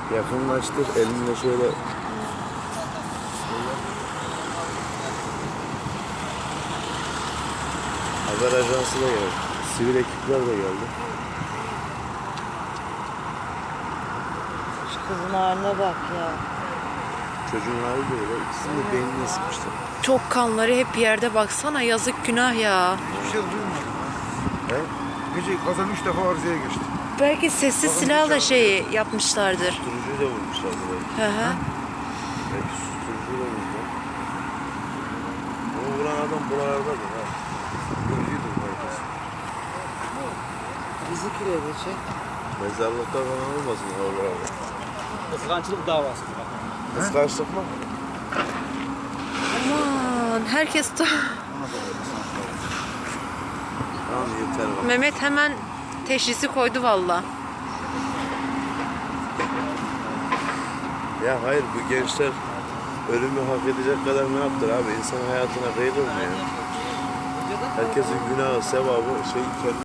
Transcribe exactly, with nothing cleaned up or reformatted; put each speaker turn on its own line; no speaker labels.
Yakınlaştır elinle şöyle. Haber ajansı da geldi. Sivil ekipler de geldi.
Şu kızın haline bak ya.
Çocuğun hali de öyle. İkisini de beynine sıkmıştı.
Çok kanları hep yerde, baksana, yazık, günah ya.
Hiçbir şey duymadım.
He?
Gece kazan üç defa arızaya geçti.
Belki sessiz silahla şey yapmışlardır.
Susturucuyu da vurmuşlar buraya.
Hı hı.
Belki susturucuyu da vurmuşlar. Ama vuran adam buralardadır ha. Susturucuydur herkes.
Bizi kiredecek.
Mezarlıkta falan olmasın oralarda.
Kıskançlık davası.
Kıskançlık mı?
Aman herkes de...
Tamam yeter bak.
Mehmet hemen teşhisi koydu valla.
Ya hayır bu gençler ölümü hak edecek kadar ne yaptılar abi? İnsan hayatına kıyılır mı ya? Herkesin günahı, sevabı şey kendi